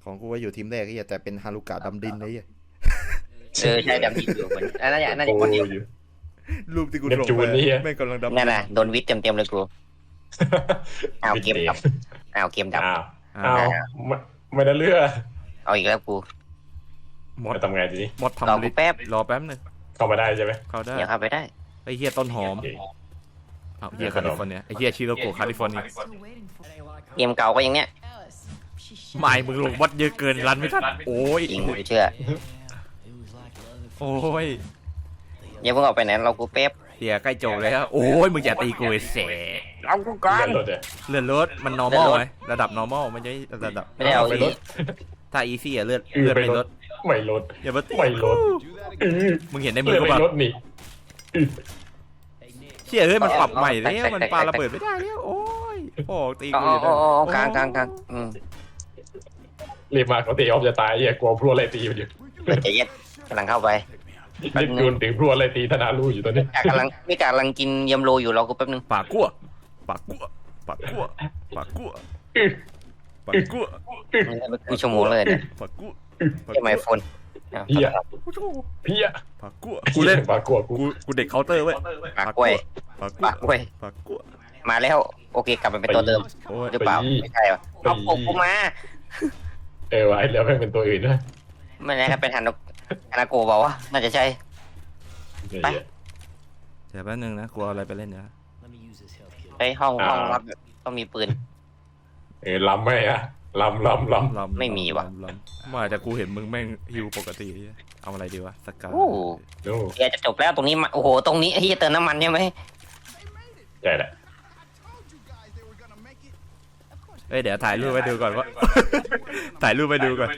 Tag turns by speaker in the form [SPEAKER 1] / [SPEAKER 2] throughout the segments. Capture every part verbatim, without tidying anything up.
[SPEAKER 1] ของกูก็อยู่ทีมแรกไอ้เหี้ยแต่เป็นฮารุกะดำดินไอ้เหี้ย
[SPEAKER 2] เออใช่ดำดินอยู่เหมือนอันนั้นอย่างนั้นอ
[SPEAKER 3] โอ้
[SPEAKER 2] ย่างคนเดียว
[SPEAKER 3] อยู่
[SPEAKER 1] รูปที่กู
[SPEAKER 3] เนป
[SPEAKER 1] ส่ง
[SPEAKER 3] จู
[SPEAKER 1] ไป
[SPEAKER 3] นนี่เหี้ย
[SPEAKER 1] แม่งกำลังดำ
[SPEAKER 2] นั่นน่ะโดนวิทย์เต็มๆเลยกูเอาเกมดับเอาเกมดับ
[SPEAKER 3] อ้าว
[SPEAKER 1] อ้า
[SPEAKER 3] อ้าว วไม่ไม่ได้เลือก
[SPEAKER 2] เอาอีกแล้วกู
[SPEAKER 1] หมด
[SPEAKER 3] จะทำไงทีนี้
[SPEAKER 1] หมด
[SPEAKER 2] รอ
[SPEAKER 1] ทำ
[SPEAKER 2] กู
[SPEAKER 1] ลิสต์
[SPEAKER 2] แป๊บ
[SPEAKER 1] รอแป๊บนึง
[SPEAKER 3] เข้ามาได้ใช่ไหม
[SPEAKER 1] เข้าได้
[SPEAKER 2] เดี๋ยวเข้าไปได้
[SPEAKER 1] ไอ้เหี้ยต้นหอม
[SPEAKER 3] โอเค
[SPEAKER 1] อ้าวเหี้ยแคลิฟอร์เนียไอ้เหี้ยชิโรโกะแคลิฟอร์เนีย
[SPEAKER 2] เกมเก่าก็อย่างเนี้ย
[SPEAKER 1] ไม่มึงลงวัดเยอะเกินรันไม่ทันโอ้ย
[SPEAKER 2] จริงกูเชื่อ
[SPEAKER 1] โอ้ย
[SPEAKER 2] อย่าเพิ่งออกไปไหนเรากูแป๊บ
[SPEAKER 1] เดี๋ยวใกล้จบแล้วโอ้ยมึงอย่าตีกูไอ้เส
[SPEAKER 2] เอากูก่อน
[SPEAKER 3] เลื่อนรถเลย
[SPEAKER 1] เลื่อนรถมัน normal ไหมระดับ normal มันจะระดับ
[SPEAKER 2] ไม่ได้เอา
[SPEAKER 1] ไป
[SPEAKER 2] อี
[SPEAKER 1] ร
[SPEAKER 2] ก
[SPEAKER 1] ถถ้า easy อะเลื่อน
[SPEAKER 3] อือ
[SPEAKER 1] เลื่อน
[SPEAKER 3] ไป
[SPEAKER 1] ไป
[SPEAKER 3] ร
[SPEAKER 1] ร
[SPEAKER 3] ถ
[SPEAKER 1] ถ
[SPEAKER 3] ไม่รถ
[SPEAKER 1] อย่ามาตี
[SPEAKER 3] ไม่รถอือ
[SPEAKER 1] มึงเห็นในมื
[SPEAKER 3] เลื่
[SPEAKER 1] อ
[SPEAKER 3] อน
[SPEAKER 1] กู
[SPEAKER 3] ไป
[SPEAKER 1] ป่ะ
[SPEAKER 3] รถนี่อือ
[SPEAKER 1] เชี่ยเฮ้ยมันปรับใหม่แล้วมันปาระเบิดไม่ได้แล้วโอ้ยโอ้ตี
[SPEAKER 2] อ๋อ
[SPEAKER 1] กูอยู่
[SPEAKER 2] อ๋
[SPEAKER 1] ได้
[SPEAKER 2] ออ๋อกลางกลางกลางอืม
[SPEAKER 3] รีบมาเขาตีออฟจะตายเหี้ยกลัวพลัวอะไรตีอยู่
[SPEAKER 2] เปิดใจเย็นกำลังเข้าไป
[SPEAKER 3] เนปจูนถึงพลัวอะไรตีธนาลูอยู่ตอนนี้
[SPEAKER 2] กำลังไม่กำลังกินยำโรอยู่รอกูแป๊บนึง
[SPEAKER 1] ปากกั้วปากกั้วปากกั้วปากกั้ว
[SPEAKER 3] อือ
[SPEAKER 1] ปากกั้ว
[SPEAKER 2] กูชั่วโมงเลยเนี่ย
[SPEAKER 1] ปากกั้ว
[SPEAKER 2] ใช่ไหมโฟน
[SPEAKER 3] เฮียเฮีย
[SPEAKER 1] ปากกั้วกูเล่น
[SPEAKER 3] ปากกลัวกู
[SPEAKER 1] กูกูเด็กเคาน์เตอร์เว้ย
[SPEAKER 2] ปากกล้วย
[SPEAKER 1] ปากกั้ว
[SPEAKER 2] ปากกล้วย
[SPEAKER 1] ปากกั้ว
[SPEAKER 2] มาแล้วโอเคกลับไปเป็นตัวเดิม
[SPEAKER 1] โอ้ย
[SPEAKER 2] หรือเปล่าไม่ใช่หรอเอาปกกูมา
[SPEAKER 3] เออวะไอ้เหลือแม่งเป็นตัวอื่นด้วย
[SPEAKER 2] ไม่ใช่ครับเป็นฮันโนฮานาโกะบอกว่าน่าจะใช่
[SPEAKER 3] เหี้ย
[SPEAKER 2] ไป
[SPEAKER 1] เดี๋ยวแป๊บนึงนะกูเอาอะไรไปเล่นเนี่ย
[SPEAKER 2] ไปห้องห้องรับต้องมีปืน
[SPEAKER 3] เออล้ำไหมอะล้ำล้ำล้ำ
[SPEAKER 1] ลำ
[SPEAKER 2] ไม่มีว่ะ
[SPEAKER 1] ลำลำไม่แต่กูเห็นมึงแม่งฮิวปกติเอาอะไรดีวะสกา
[SPEAKER 2] โอ้
[SPEAKER 3] โอ้
[SPEAKER 2] เดี๋ยวจะจบแล้วตรงนี้มาโอ้โหตรงนี้ไอ้ที่เติมน้ำมันใช่ไหม
[SPEAKER 3] ใช่แหละ
[SPEAKER 1] เอ้ยเดี๋ยวถ่ายรูปไปดูก่อนว่า ถ่ายรูปไปดูก่อน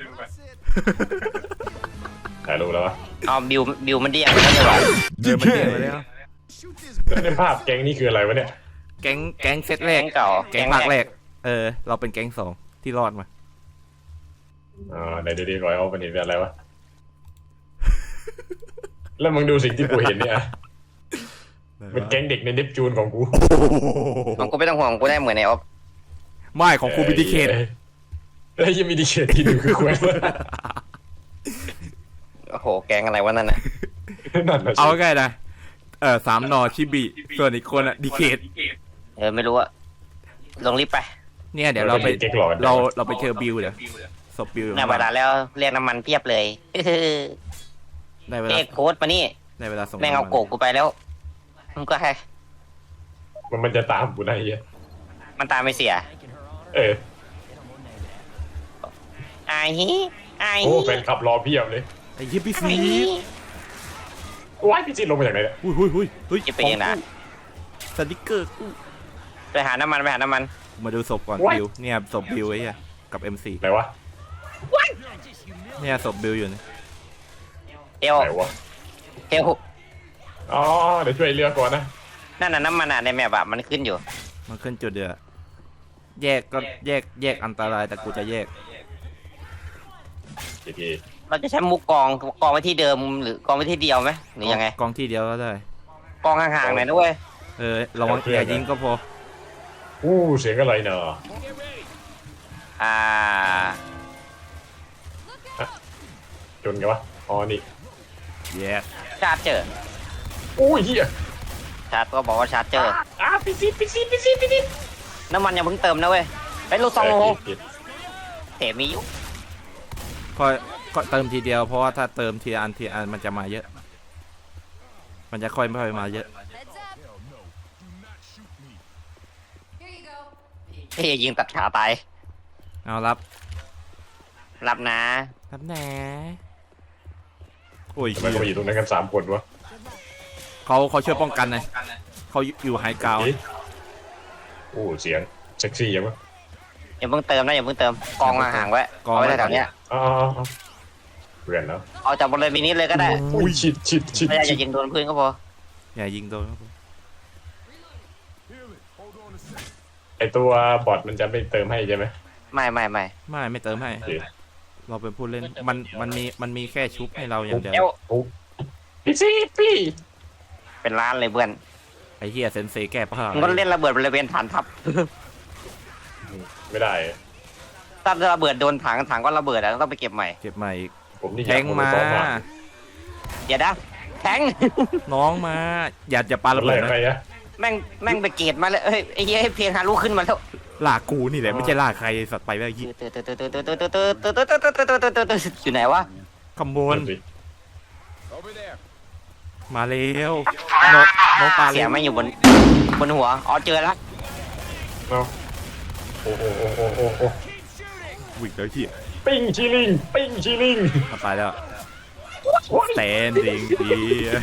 [SPEAKER 3] ถ่ายรูปแล้ววะ
[SPEAKER 2] เอาบิวบิวมันเดียงแล้วเนี่ยวะ
[SPEAKER 1] เดินมันเดินมาแล้ว
[SPEAKER 3] ในภาพแก๊งนี่คืออะไรวะเนี่ย
[SPEAKER 1] แก๊งแก๊งเซตแร
[SPEAKER 2] แก๊
[SPEAKER 1] ก
[SPEAKER 2] งเก่า
[SPEAKER 1] แก๊งภาคแรกเออเราเป็นแก๊งสองที่รอดมา
[SPEAKER 3] อ่าในดีดีรอยเอาเป็นเห็นเป็นอะไรวะ แล้วมึงดูสิ่งที่กูเห็นเนี่ยเป็นแก๊งเด็กในเนปจูนของกู
[SPEAKER 2] ของกูไม่ต้องห่วงกูได้เหมือนในออฟ
[SPEAKER 1] ไม่ของกูบิดิเคท
[SPEAKER 3] แล้วยังมีดีเคทที่ดูคือคว
[SPEAKER 2] โอ้โหแกงอะไรวะนั่นน่ะ
[SPEAKER 3] นั่นนะ
[SPEAKER 1] เอาง่ายๆนะเออสามนอชิบิส่วนอีกคนอะดิเคท
[SPEAKER 2] เออไม่รู้อะลงรีบไป
[SPEAKER 1] เนี่ยเดี๋ยวเราไป
[SPEAKER 3] แก๊งหลอน
[SPEAKER 1] เราเราไปเจอบิวเดี๋ยวศพบิว
[SPEAKER 2] ได้เวลาแล้วเรียกน้ำมันเพียบเลย
[SPEAKER 1] ได้เว
[SPEAKER 2] เอ
[SPEAKER 1] ลา
[SPEAKER 2] กโค้ดมานี่
[SPEAKER 1] ได้เวลาส่ง
[SPEAKER 2] แม่งเอาโกกกูไปแล้วมึงก็ให้
[SPEAKER 3] มันมันจะตามกูนะไอ้เหี้ย
[SPEAKER 2] มันตามไม่เสีย
[SPEAKER 3] เออ
[SPEAKER 2] ไอ้ฮีไอ้
[SPEAKER 3] โอ้
[SPEAKER 2] ฮี
[SPEAKER 3] แฟนขับรอเพียบเลย
[SPEAKER 1] ไอ้เหี้ยพี่
[SPEAKER 2] ไอ้
[SPEAKER 1] ซี
[SPEAKER 2] ฮี
[SPEAKER 3] ว้ายพี่จีนลงมาจากไหนเนี่ย
[SPEAKER 1] อุ้ยอุ้ยอุ้ยอุ้ย
[SPEAKER 2] จะเป็นยังไง
[SPEAKER 1] สติกเกอร์กู
[SPEAKER 2] ไปหาน้ำมันไปหาน้ำมัน
[SPEAKER 1] มาดูศพก่อนบิวเนี่ยศพบิวไอ้เหี้ยกับ เอ็ม โฟร์
[SPEAKER 3] ไหนวะ
[SPEAKER 1] เนี่ยศพบิวอยู่นี่
[SPEAKER 2] เอล
[SPEAKER 3] ไหนวะ
[SPEAKER 2] เอล
[SPEAKER 3] อ๋อเดี๋ยวช่วยเรือก่อนนะ
[SPEAKER 2] นั่นน่ะน้ำมันอ่ะในแมปอะมันขึ้นอยู่
[SPEAKER 1] มันขึ้นจุดเดือดแยกก็แยกแยกอันตรายแต่กูจะแยก
[SPEAKER 3] โอเค
[SPEAKER 2] เราจะใช้มุกกองกองไว้ที่เดิมหรือกองไว้ที่เดียวไหมหรือยังไง
[SPEAKER 1] กองที่เดียวก็ได้
[SPEAKER 2] กองห่างๆหน่อยด้วย
[SPEAKER 1] เออระวังอย่ายิงก็พอ
[SPEAKER 3] อู้เสียงอะไรเนาะ
[SPEAKER 2] อ่า
[SPEAKER 3] จนกันวะอ๋อนี่
[SPEAKER 1] แย่
[SPEAKER 2] ชาร์จเจอร์
[SPEAKER 3] อู้เหี้ย
[SPEAKER 2] ชาร์จก็บอกว่าชาร์จเจอร์
[SPEAKER 3] อ่ะปิดซีปิดซีปิดซีปิดซี
[SPEAKER 2] น้ำมันยังเพิ่งเติมนะเว้ยไปลูกซองโล
[SPEAKER 3] เออผิด
[SPEAKER 2] เถมีอยู่
[SPEAKER 1] ก็ก็เติมทีเดียวเพราะว่าถ้าเติมทีอันทีอันมันจะมาเยอะ มันจะค่อยไม่ค่อยมาเยอะ
[SPEAKER 2] เฮ้ยยิงตัดขาตาย
[SPEAKER 1] เอารับ
[SPEAKER 2] รับนะ
[SPEAKER 1] รับแหนโอ้ย
[SPEAKER 3] ทำไมเขามาอยู่ตรงนั้นกันสามคนวะ
[SPEAKER 1] เขาเขาช่วยป้องกันไงเขาอยู่ไฮกราวด์
[SPEAKER 3] เอ๊ะอู้เสียงเซ็กซี่ยังวะ
[SPEAKER 2] อย่าเพิ่งเติมนะอย่าเพิ่งเติมกองห่างๆไว้เอาไว้แถวๆเนี้ย
[SPEAKER 3] อ๋อเพื่อนแล้ว
[SPEAKER 2] เอาจากบริเวณนี้เลยก็ได้
[SPEAKER 3] อุ้ยชิดชิดชิด
[SPEAKER 2] ไม่อยาก
[SPEAKER 3] ชิ
[SPEAKER 2] จะ
[SPEAKER 3] ด
[SPEAKER 2] ยิงโดนพื้นก็พอ
[SPEAKER 1] อย่ายิงโดนครับผม
[SPEAKER 3] ไอตัวบอทมันจะไม่เติมให้ใช่ไหม
[SPEAKER 2] ไม่ไม่ไม่
[SPEAKER 1] ไม่ไม่เติมให้
[SPEAKER 3] โอเค
[SPEAKER 1] เราเป็นผู้เล่นมันมันมีมันมีแค่ชุบให้เราอย่างเดียว
[SPEAKER 2] เอว
[SPEAKER 3] โอ้พี่ซีพี่
[SPEAKER 2] เป็นล้านเลยเพื่อน
[SPEAKER 1] ไอ้เฮียเซนเซแก้ผ้า
[SPEAKER 2] มึงก็เล่นระเบิดบริเวณฐานทัพ
[SPEAKER 3] ไม่ได้
[SPEAKER 1] เ
[SPEAKER 2] ถ้าระเบิดโดนถังถังก็ระเบิดอะต้องไปเก็บใหม่
[SPEAKER 1] เก็บใหม่อีก
[SPEAKER 3] ผมนี่
[SPEAKER 1] แทงมา
[SPEAKER 2] เดี๋ยวนะแทง
[SPEAKER 1] น้องมาอย่าอย่าปาระ
[SPEAKER 3] อะไร
[SPEAKER 1] เบิด
[SPEAKER 3] อะไร
[SPEAKER 1] นะ
[SPEAKER 3] อะ
[SPEAKER 2] แม่งแม่งไปเกตมาเลยเอ้ยไอ้เหี้ยเพลงฮารุขึ้นมาแล้ว
[SPEAKER 1] ลากกูนี่แหละไม่ใช่ลากใครสัตว์ไปแล้วยี่
[SPEAKER 2] อยู่ไหนวะ
[SPEAKER 1] ขโมยมาเร็วนกนกปลา
[SPEAKER 2] เสียงไม่อยู่บนบนหัวอ๋อเจอแล้ว
[SPEAKER 3] เอาโอ้โหโอ้โหโอ้โห
[SPEAKER 1] วิ่งแล้วที่
[SPEAKER 3] ปิ้งชิลิงปิ้งชิลิง
[SPEAKER 1] มาไปแล้วแตนดิงดี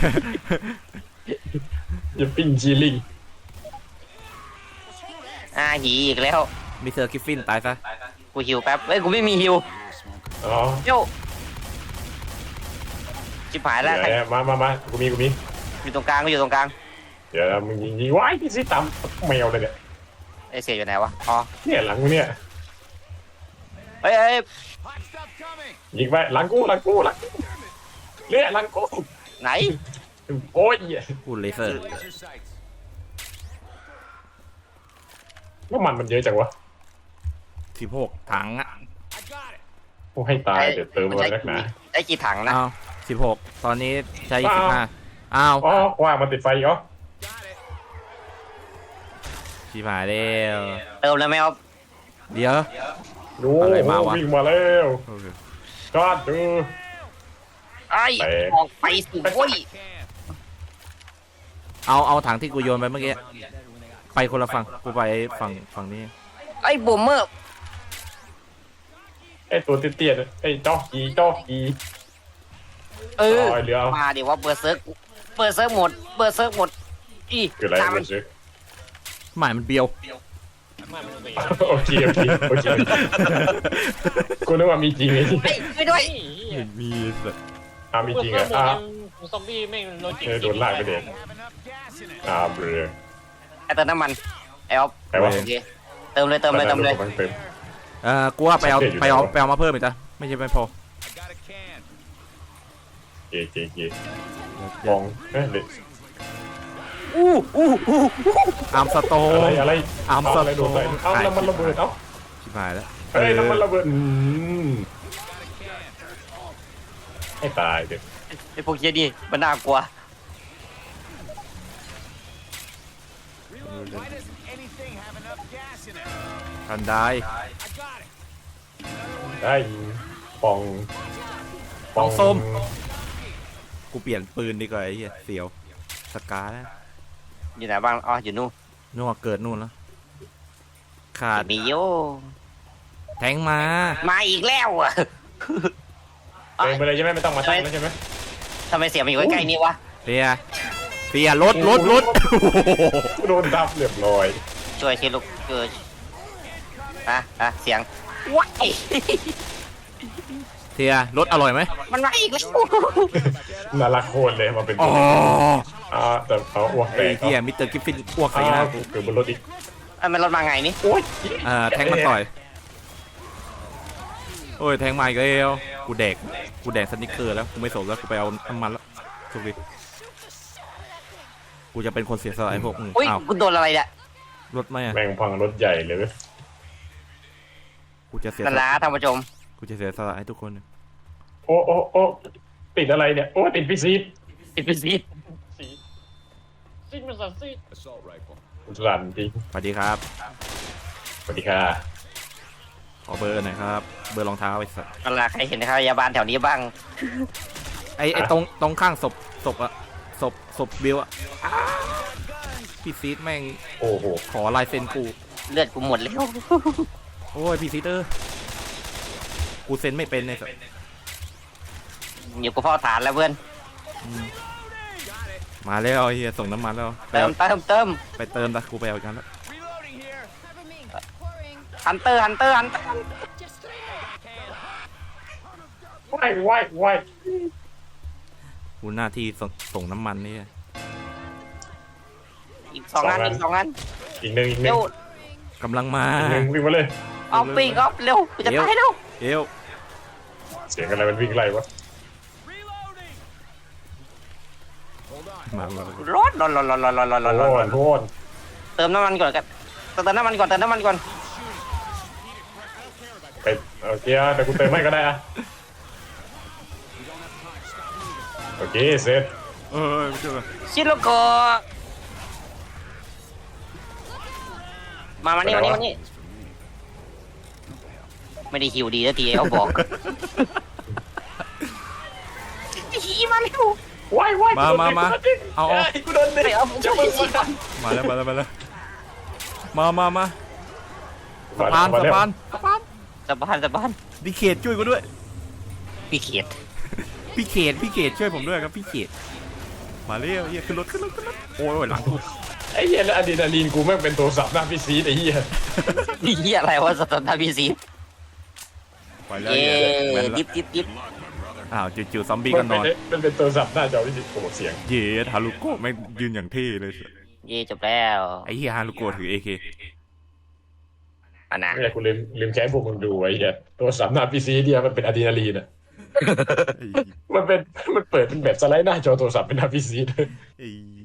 [SPEAKER 3] อย่าปิ้งชิลิง
[SPEAKER 2] อ่าหีอีกแล้ว
[SPEAKER 1] มิสเตอร์กิฟฟินตายซะ
[SPEAKER 2] กูหิวแป๊บเอ้ยกูไม่มีหิว
[SPEAKER 3] อ๋อ
[SPEAKER 2] โย่ชิบหายแล้ว
[SPEAKER 3] เดี๋ยวมามามากูมีกูมี
[SPEAKER 2] อยู่ตรงกลางก็อยู่ตรงกลาง
[SPEAKER 3] เดี๋ยวมึงยิงยิงว้ายพี่ซิตามแมวเลยเนี่ย
[SPEAKER 2] ไอเสียอยู่ไหนวะอ๋อ
[SPEAKER 3] เนี่ยหลังกูเนี่ย
[SPEAKER 2] เฮ้ยเฮ้ย
[SPEAKER 3] ยิงไปหลังกูหลังกูหลังกูเนี่ยหลังกู
[SPEAKER 2] ไหน
[SPEAKER 3] โอ้ย
[SPEAKER 1] พูดเลเซอร์
[SPEAKER 3] น้ำมันมันเยอะจังวะ
[SPEAKER 1] สิบหกถังอ่ะ
[SPEAKER 3] โอ้ให้ตายเดี๋ยวเติมมานักหนา
[SPEAKER 2] ได้กี่ถังนะ
[SPEAKER 1] อ้าวสิบหกตอนนี้ใช้สิบห้าอ้าว
[SPEAKER 3] อ๋อว่ามันติดไฟอีกเหรอ
[SPEAKER 1] ชิบหายแล้ว
[SPEAKER 2] เติมแล้วไหมครับ
[SPEAKER 1] เดี๋ยว
[SPEAKER 3] ดู
[SPEAKER 1] อะไรมาวะ
[SPEAKER 3] วิ่งมาแล้ว
[SPEAKER 1] โอเค
[SPEAKER 3] ก็ดู
[SPEAKER 2] ไอ้ออกไปสิโว้ย
[SPEAKER 1] เอาเอาถังที่กูโยนไปเมื่อกี้ไปคนละฝั่งกูไปฝั่งฝั่งนี้
[SPEAKER 2] ไอ้บูมเมอร์
[SPEAKER 3] ไอตัวเตี้ยๆไอจอกกีจอกกี
[SPEAKER 2] เออ
[SPEAKER 3] อ๋อเรือเอา
[SPEAKER 2] มาเดี๋ยวว่าเบอร์เซิร์กเบอร์เซิร์กหมดเบอร์เซิร์กหมดอี
[SPEAKER 3] คืออะไร
[SPEAKER 2] ตามมั
[SPEAKER 3] มัน นซื้อ
[SPEAKER 1] หมายมันเบียว
[SPEAKER 3] โอเคโอเคโอเคกูนึกว่ามีจริงไง
[SPEAKER 2] เฮ้ยช่วยด้วย
[SPEAKER 1] ไม่มีสัตว์
[SPEAKER 3] อ่ามีจริงเหรออ่า
[SPEAKER 4] ซอมบี้แม่งโลจิก
[SPEAKER 3] เออโดนลากไปเด็กอ่าเบลอ
[SPEAKER 2] ไอ้เติมน้ำมันไอ้ออฟ
[SPEAKER 3] ใครวะ
[SPEAKER 2] โอเคเติมเลยเติมเลยเติมเลย
[SPEAKER 3] เติม
[SPEAKER 1] เออกูว่าไปเอา
[SPEAKER 3] สังเกตอยู่
[SPEAKER 1] ไปเอา
[SPEAKER 3] แล้ว
[SPEAKER 1] ไปเอามาเพิ่มอีกจ้ะไม่ใช่ไม่พอ
[SPEAKER 3] เก๋เก๋เก๋มองเฮ้ยเด็ก
[SPEAKER 2] อู้อู้อู้
[SPEAKER 1] อาร์มสโต
[SPEAKER 3] อะไร
[SPEAKER 1] น
[SPEAKER 3] อะไร
[SPEAKER 1] อาร์ม
[SPEAKER 3] เอา
[SPEAKER 1] ส
[SPEAKER 3] อะไร
[SPEAKER 1] โต
[SPEAKER 3] โดน
[SPEAKER 1] น
[SPEAKER 3] ไปเอาน้ำมันระเบิดเอา
[SPEAKER 1] ชิบหายแล้ว
[SPEAKER 3] เฮ้ยน้ำมันระเบิดอืมให้ตายเด็ก
[SPEAKER 2] ไอ้พวกเฮียนี่มันน่ากลัว
[SPEAKER 1] ทันได้
[SPEAKER 3] ได้ปอง
[SPEAKER 1] ปองส้มกูเปลี่ยนปืนดีกว่าไอ้เหี้ยเสียวสกาแล้ว
[SPEAKER 2] อยู่ไหนบ้างอ๋ออยู่นู่น
[SPEAKER 1] นู่นเกิดนู่นแล้วขาด
[SPEAKER 2] มีโย
[SPEAKER 1] แทงมา
[SPEAKER 2] มาอีกแล้วอ่ะ
[SPEAKER 3] เติมไปเลยใช่ไหมไม่ต้องมาตั้งแล้วใช่ไหม
[SPEAKER 2] ทำไมเสียงมันอยู่ใกล้ๆนี่วะ
[SPEAKER 1] เสียเสียรถรถรถ
[SPEAKER 3] โดนดับเรียบร้อย
[SPEAKER 2] ช่วยทีลูกเกิดอ่ะอ่ะเสียงว้าย
[SPEAKER 1] เสียรถอร่อยไหม
[SPEAKER 2] มันมาอีกแล้ว
[SPEAKER 3] น่ารักโคตรเลยมาเป็น
[SPEAKER 1] อ๋อ
[SPEAKER 3] อ่าแต่เอาอ้วกแต
[SPEAKER 1] ไอ้
[SPEAKER 3] ก
[SPEAKER 1] เหี้ยมิสเตอร์กิฟฟินอ้วกใส่ห
[SPEAKER 3] อ่า
[SPEAKER 1] น้า
[SPEAKER 3] กูเกิดบนรถอีก
[SPEAKER 2] ไอ้มันรถมาไงนี่
[SPEAKER 3] โอ้ย
[SPEAKER 1] อ่าแทงมันต่อยโอ้ยแทงมาอีกแล้วกูแดกกูแดกสนิกเกอร์แล้วกูไม่สนแล้วกูไปเอาน้ำมันแล้วโชคดีกูจะเป็นคนเสียสละไอ้พวกมึง
[SPEAKER 2] อุ้ย
[SPEAKER 1] อ้าว
[SPEAKER 2] กูโดนอะไรเนี่ย
[SPEAKER 1] รถไหมอ่ะ
[SPEAKER 3] แม่งพังรถใหญ่เลยเว้ย
[SPEAKER 1] กูจะเสีย
[SPEAKER 2] นั่น
[SPEAKER 1] ส
[SPEAKER 2] ละ
[SPEAKER 1] ละ
[SPEAKER 2] ท่านผู้ชม
[SPEAKER 1] กูจะเสียสละให้ทุกคน
[SPEAKER 3] โอ้โอ้โอ้ติดอะไรเนี่ยโอ้ติดพี่ซีด
[SPEAKER 2] ปิดไปสิ
[SPEAKER 4] ซิดมันสัตว์ซิด
[SPEAKER 3] รันจริง
[SPEAKER 1] สวัสดีครับ
[SPEAKER 3] สวัสดีค่ะ
[SPEAKER 1] ขอเบอร์หน่อยครับเบอร์รองเท้าไอ้สัส
[SPEAKER 2] นั่นละใครเห็นนะครับพยาบาลแถวนี้บ้าง
[SPEAKER 1] ไอ้ไอ้ตรงตรงข้างศพศพอะศพศพบิวอะอ้าพี่ซีดแม่ง
[SPEAKER 3] โอ้โห
[SPEAKER 1] ขอลายเซ็นกู
[SPEAKER 2] เลือดกูหมดแล้ว
[SPEAKER 1] โอ้ยพี่ซีดเออกูเซ็นไม่เป็นเลยสัส
[SPEAKER 2] อยู่กูเฝ้าฐานแล้วเพื่อน
[SPEAKER 1] มาแล้วไอ้เฮียส่งน้ำมันแล้วไป
[SPEAKER 2] เติม
[SPEAKER 1] เอา
[SPEAKER 2] เติมเติม
[SPEAKER 1] ไปเติมนะกูไปเอาอีกกันแล้ว
[SPEAKER 2] ฮันเตอร์ฮันเตอร์ฮันเตอร์
[SPEAKER 3] ว่ายว่ายว่าย
[SPEAKER 1] กูหน้าที่ส่งส่งน้ำมันนี่
[SPEAKER 2] อีกสองอันอีกสองอัน
[SPEAKER 3] อีกหนึ่งอีกหนึ่
[SPEAKER 2] เร็
[SPEAKER 3] ง
[SPEAKER 2] ว
[SPEAKER 1] กำลังมา
[SPEAKER 3] อีกหนึ่งวิ่งมาเลย
[SPEAKER 2] เอาปีกออฟเร็วกูจะตายแล้ว
[SPEAKER 1] เอว
[SPEAKER 3] เสียงอะไรมันวิ่งไล่วะ
[SPEAKER 1] มามา
[SPEAKER 2] ร้อนร้อนร้อนร้อนร้อนร้อนร้อนร้อนร้อน
[SPEAKER 3] โอ้
[SPEAKER 2] ร้อน
[SPEAKER 3] โห
[SPEAKER 2] เติมน้ำมันก่อนกันเติมน้ำมันก่อนเติมน้ำมันก่อน
[SPEAKER 3] เอไปโอเคอะแต่กูเติมให้ก็ได้อะโอเคเสร็จ
[SPEAKER 1] เออไม่ใช่ป่ะ
[SPEAKER 2] ชิโลโกะมามานี่มานี่มานี่ไม่ได้ฮิวดีสักทีเขาบอกฮีมาเร็ว
[SPEAKER 3] ว้ายว้าย
[SPEAKER 1] มามามาเอาเอา
[SPEAKER 3] กูโดนเด็ก
[SPEAKER 2] ไปเอาผม
[SPEAKER 3] จะ
[SPEAKER 2] ช่วย
[SPEAKER 3] มึง
[SPEAKER 2] สิ
[SPEAKER 3] มา
[SPEAKER 1] มาแล้วมาแล้วมาแล้วมามามาสะพานสะพานสะพาน
[SPEAKER 2] สะบานสะบาน
[SPEAKER 1] พี่เขตช่วยกูด้วย
[SPEAKER 2] พี่เขียด
[SPEAKER 1] พี่เขตพี่เขตช่วยผมด้วยครับพี่เขตมาเร็วเฮียขึ้นรถขึ้นรถขึ้นรถโอ้ยหลังกู
[SPEAKER 3] ไอ้เหี้ยแล้วอะดรีนาลีนกูแม่งเป็นโทรศัพท์หน้าพี่ซีดไอ้เหี้ย
[SPEAKER 2] นี่เหี้ยอะไรวะสตาร์ทพีซี
[SPEAKER 1] ไปแล้ว
[SPEAKER 2] เย้
[SPEAKER 1] เฮียแม่น
[SPEAKER 2] ดิ
[SPEAKER 1] ละ
[SPEAKER 2] บดิบดิบ
[SPEAKER 1] อ้าวจู่ๆซอมบี้
[SPEAKER 3] มั
[SPEAKER 1] ก็
[SPEAKER 3] น
[SPEAKER 1] น
[SPEAKER 3] เป็น
[SPEAKER 1] อน
[SPEAKER 3] มันเป็นโทรศัพท์หน้าจอพี่ซีโอ้โหเสียง
[SPEAKER 1] เย้ฮารุโกะไม่งยืนอย่างเท่เลย
[SPEAKER 2] เย่จบแล้ว
[SPEAKER 1] ไอ้เฮียฮารุโกะถือเอเค
[SPEAKER 2] อันนะ
[SPEAKER 3] ไม่ใช่กูลืมลืมแค้นพวกมึงดูไอ้เหี้ยโทรศัพท์หน้าพี่ซีเดียมันเป็นอะดรีนาลีนอ่ะมันเป็นมันเปิดเป็นแบบสไลด์หน้าจอโทรศัพท์เป็นหน้าพี่ซีเลย
[SPEAKER 1] ไอ้